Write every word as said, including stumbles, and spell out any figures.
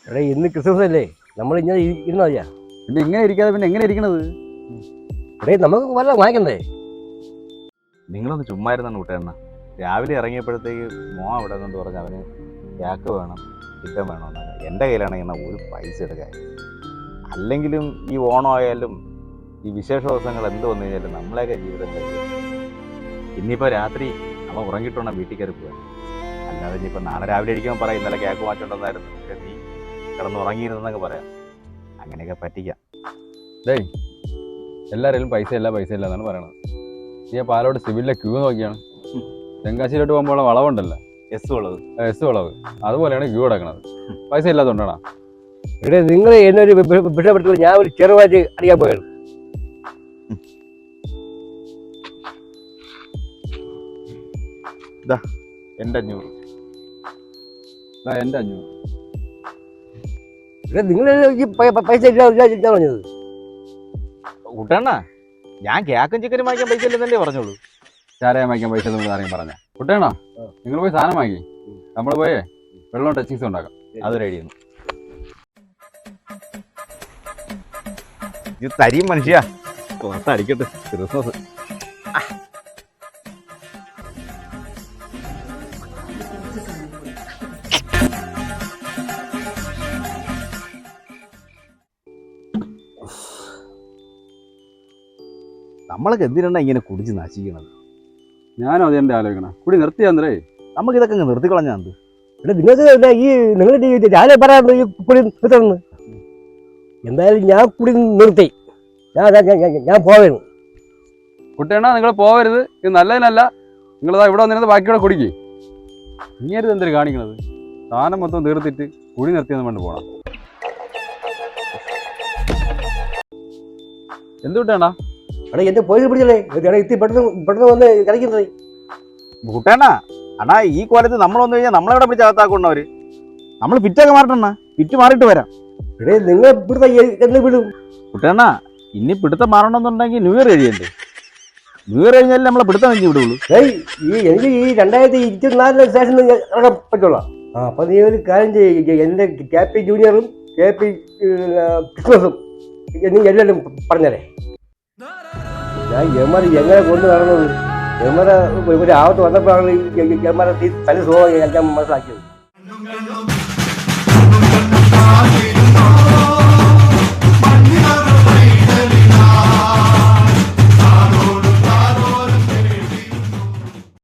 എടേ ഇന്ന് ക്രിസ്മസ് അല്ലേ, നമ്മൾ ഇങ്ങനെ ഇരുന്നാ മതിയാ. പിന്നെ ഇങ്ങനെ ഇരിക്കാതെ പിന്നെ എങ്ങനെ ഇരിക്കണത്? എടേ നമുക്ക് വല്ല വാങ്ങിക്കണ്ടേ? നിങ്ങളൊന്ന് ചുമ്മാ ഇരുന്നാണ് കൂട്ടുകാരന. രാവിലെ ഇറങ്ങിയപ്പോഴത്തേക്ക് മോ അവിടെ കൊണ്ട് പറഞ്ഞ് അവന് ക്യാക്ക് വേണം, ചിക്കൻ വേണമെന്നൊക്കെ. എൻ്റെ കയ്യിലാണെങ്കിൽ ഒരു പൈസ എടുക്കാൻ. അല്ലെങ്കിലും ഈ ഓണം ആയാലും ഈ വിശേഷ ദിവസങ്ങൾ എന്ത് വന്നു കഴിഞ്ഞാലും നമ്മളെയൊക്കെ ജീവിതം കഴിയും. ഇന്നിപ്പോൾ രാത്രി അവൻ ഉറങ്ങിയിട്ടുണ്ടോ വീട്ടിൽ കയറി പോകാൻ. അല്ലാതെ ഇനിയിപ്പോൾ നാളെ രാവിലെ ഇരിക്കുമ്പോൾ പറയും ഇന്നലെ ക്യാക്ക് മാറ്റുണ്ടെന്നായിരുന്നു, പക്ഷേ നീ കിടന്ന് ഉറങ്ങിയിരുന്നെന്നൊക്കെ പറയാം. അങ്ങനെയൊക്കെ പറ്റിക്കാം. ഡേയ്, എല്ലാവരും പൈസ ഇല്ല പൈസ ഇല്ല എന്നാണ് പറയണത്. നീ പാലോട് സിവിലിലെ ക്യൂ നോക്കിയാണ്. തെങ്കാശിയിലോട്ട് പോകുമ്പോൾ വളവുണ്ടല്ലോ, എസ് ഉള്ളത് എസ് വളവ്, അതുപോലെയാണ് ക്യൂ കിടക്കണത്. പൈസ ഇല്ലാത്തതുകൊണ്ടാണ്. എടേ നിങ്ങൾ എന്നെ ഒരു വിഷയപ്പെടുത്തുമ്പോൾ ഞാൻ ഒരു ചെറുവാറ്റ് അടിക്കാൻ പോയത്. ഇതാ എൻ്റെ അഞ്ഞൂറ്. ഇതാ എൻ്റെ അഞ്ഞൂറ്. എടേ നിങ്ങൾ ഈ പൈസ ഇല്ല ഇല്ല പറഞ്ഞത്. കൂട്ടണ്ണ, ഞാൻ ക്യാക്കും ചിക്കനും വാങ്ങിക്കാൻ പൈസ ഇല്ലെന്നല്ലേ പറഞ്ഞോളൂ. ചാരയം വാങ്ങിക്കാൻ പൈസ നമ്മൾ ആരെയും പറഞ്ഞ കുട്ടേണോ? നിങ്ങൾ പോയി സാധനം വാങ്ങി, നമ്മൾ പോയേ വെള്ളം ടച്ചിങ്സ് ഉണ്ടാക്കാം. അത് റെഡിയാണ്. ഇത് തരിയും മനുഷ്യ പുറത്തടിക്കട്ടെ ക്രിസ്മസ്. നമ്മളൊക്കെ എന്തിനാണ് ഇങ്ങനെ കുടിച്ച് നശിക്കണത്? ഞാനും അത് എൻ്റെ ആലോചിക്കണം. കുടി നിർത്തിയാന്നേ, നമുക്കിതൊക്കെ നിർത്തിക്കളഞ്ഞാന്ത്. എടേ നിങ്ങൾക്ക് ഈ നിങ്ങൾ രാവിലെ പറയാറുണ്ട് ഈ കുടി നിർത്തണമെന്ന്. എന്തായാലും ഞാൻ കുടി നിർത്തി. ഞാൻ ഞാൻ പോവുകയാണ്. കുട്ടേണ നിങ്ങൾ പോവരുത്, ഇത് നല്ലതിനല്ല. നിങ്ങളിതാ ഇവിടെ വന്നിരുന്നത് ബാക്കിയോടെ കുടിക്കേ. ഇങ്ങനത് എന്തൊരു കാണിക്കണത്? സാധനം മൊത്തം തീർത്തിട്ട് കുടി നിർത്തിയെന്ന് കൊണ്ട് പോകണം. എന്തുകൊണ്ടാണ് എടാ എന്റെ പോയി പിടിച്ചല്ലേ എത്തി പെട്ടെന്ന് പെട്ടെന്ന് വന്ന് കളിക്കുന്നത്. കൂട്ടേണ്ണ അണ്ണാ, ഈ കോലത്ത് നമ്മൾ വന്നു കഴിഞ്ഞാൽ നമ്മളെവിടെ പിടിച്ച് അകത്താക്കൊണ്ടവര്. നമ്മൾ പിറ്റൊക്കെ മാറട്ടെണ്ണ, പിറ്റ് മാറിയിട്ട് വരാം. എടേ നിങ്ങൾ ഇവിടുത്തെ എന്ന് വിടും. കുട്ടേണ്ണ, ഇനി പിടുത്തം മാറണമെന്നുണ്ടെങ്കിൽ ന്യൂ ഇയർ കഴിയണ്ടേ? ന്യൂ ഇയർ കഴിഞ്ഞാലും നമ്മളെ പിടുത്തം കഴിഞ്ഞ് വിടുള്ളൂ. ഏയ് ഈ എനിക്ക് ഈ രണ്ടായിരത്തി ഇരുപത്തിനാലിന് ശേഷം ഇറങ്ങാൻ പറ്റുള്ളൂ. ആ അപ്പൊ നീ ഒരു കാര്യം ചെയ്യ, എന്റെ കെ പി ജൂനിയറും കെ പി ക്രിസ്മസും നീ എല്ലാവരും പറഞ്ഞല്ലേ. ഞാൻ യമ്മർ എങ്ങനെ കൊണ്ടു നടന്നത്, യമ്മറ ഒരു ആവത്ത് വന്നപ്പോഴാണ് യമ്മറ തനി സുഖമായി ഞാൻ മനസ്സിലാക്കിയത്.